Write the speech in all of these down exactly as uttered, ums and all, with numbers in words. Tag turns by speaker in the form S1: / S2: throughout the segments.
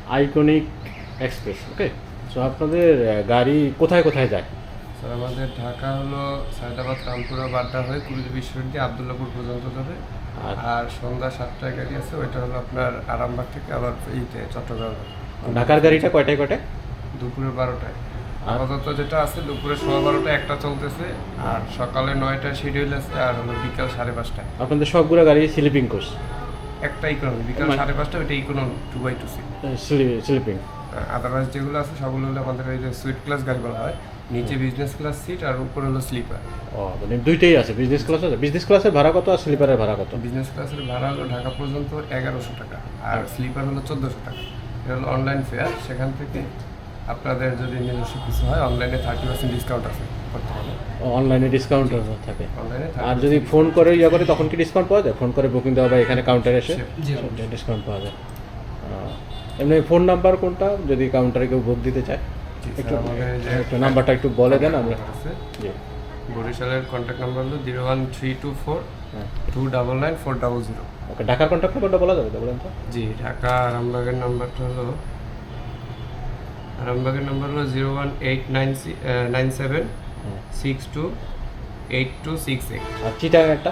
S1: Iconic express. ওকে, so আপনাদের গাড়ি কোথায় কোথায় যায়?
S2: স্যার আমাদের ঢাকা হলো সায়দাবাদ, রামপুরা, বাড্ডা হয়ে কুমিল্লা বিশ্ববিদ্যালয় আবদুল্লাপুর পর্যন্ত যাবে।
S1: আর-
S2: আর সন্ধ্যা সাতটায় গাড়ি আছে, ওইটা হলো আপনার আরামবাগ থেকে আবার এইতে চট্টগ্রাম।
S1: ঢাকার গাড়িটা কয়টায় কয়টায়?
S2: দুপুরে বারোটায়
S1: আর-
S2: আপাতত যেটা আছে দুপুরে সোয়া বারোটায় একটা চলতেছে, আর সকালে নয়টায় শিডিউল আছে, আর হলো বিকাল সাড়ে পাঁচটায়
S1: আপনাদের সবগুলো গাড়ি স্লিপিং কোর্স?
S2: একটা ইকোনমি, বিকাল
S1: মানে-
S2: সাড়ে পাঁচটা ওইটা economy two by two seat.
S1: Sleeping.
S2: Otherwise যেগুলো আছে সবগুলো হলো আমাদের এই যে সুইট ক্লাস গাড়ি বলা হয়, নিচে বিজনেস ক্লাস সিট আর উপরে হলো স্লিপার।
S1: ও, মানে দুইটাই আছে, বিজনেস ক্লাস আছে। বিজনেস ক্লাসের ভাড়া কত আর স্লিপারের ভাড়া কত?
S2: বিজনেস ক্লাসের ভাড়া হলো ঢাকা পর্যন্ত এগারোশো টাকা, আর স্লিপার হলো চোদ্দোশো টাকা। এটা হলো অনলাইন ফেয়ার, সেখান থেকে আপনাদের যদি নিজস্ব কিছু হয় অনলাইনে থার্টি পার্সেন্ট ডিসকাউন্ট আছে বর্তমানে।
S1: অনলাইনে ডিসকাউন্ট থাকে।
S2: অনলাইনে
S1: আর যদি ফোন করে ইয়ে করে তখন কি ডিসকাউন্ট পাওয়া যায়? ফোন করে বুকিং দেওয়া বা এখানে কাউন্টারে এসে
S2: জি,
S1: ডিসকাউন্ট পাওয়া যায়। আহ, এমনি ফোন নাম্বার কোনটা যদি কাউন্টারে কেউ বুক দিতে চায়? একটু
S2: আমাদের যে
S1: একটু নাম্বারটা একটু বলে দেন আমরা।
S2: আছে
S1: জি।
S2: বরিশালের কন্ট্যাক্ট নাম্বার হলো zero one three two four
S1: হ্যাঁ,
S2: two double nine four double zero.
S1: Okay, ঢাকার কন্ট্যাক্ট নাম্বারটা বলা যাবে তো, বলেন তো?
S2: জি, ঢাকা আরামবাগের নাম্বারটা হলো আরামবাগের নাম্বার হলো zero one eight nine nine seven
S1: হ্যাঁ।
S2: Six two eight two six eight.
S1: আর চিটাং একটা?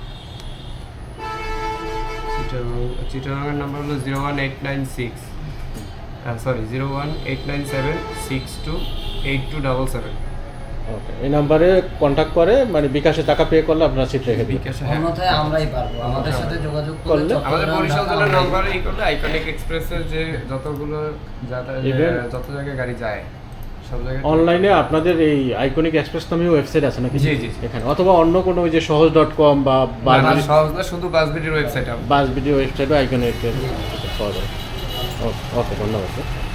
S2: চিটাগাং চিটাগাংয়ের নাম্বার হলো zero one eight nine six sorry zero one eight nine seven six two eight two double seven.
S1: Okay, এই নাম্বারে contact করে মানে বিকাশে টাকা পে করলে আপনারা সিট রেখে দিন।
S2: বিকাশে, হ্যাঁ।
S3: অন্যথায় আমরাই পারবো, আমাদের সাথে যোগাযোগ
S1: করলে
S3: করলে
S2: আমাদের
S3: চট্টগ্রাম,
S2: বরিশাল
S3: ঢাকা
S2: জেলার
S3: আমরাই
S2: নাম্বারে এই করলে আইকনিক এক্সপ্রেসের যে যতগুলো যাতা-
S1: Even-
S2: যত জায়গায় গাড়ি যায় সব জায়গায়
S1: অনলাইনে আপনাদের এই আইকনিক এক্সপ্রেস নামে ওয়েবসাইট আছে নাকি?
S2: জি, জি, জি।
S1: এখানে অথবা অন্য কোনো ওই যে সহজ ডট কম বা
S2: না, না, সহজ না, শুধু বাসবিটির ওয়েবসাইট।
S1: বাস ভিডিও ওয়েবসাইটও আইকনিক পাওয়া যাবে। ওকে, ওকে, ধন্যবাদ স্যার।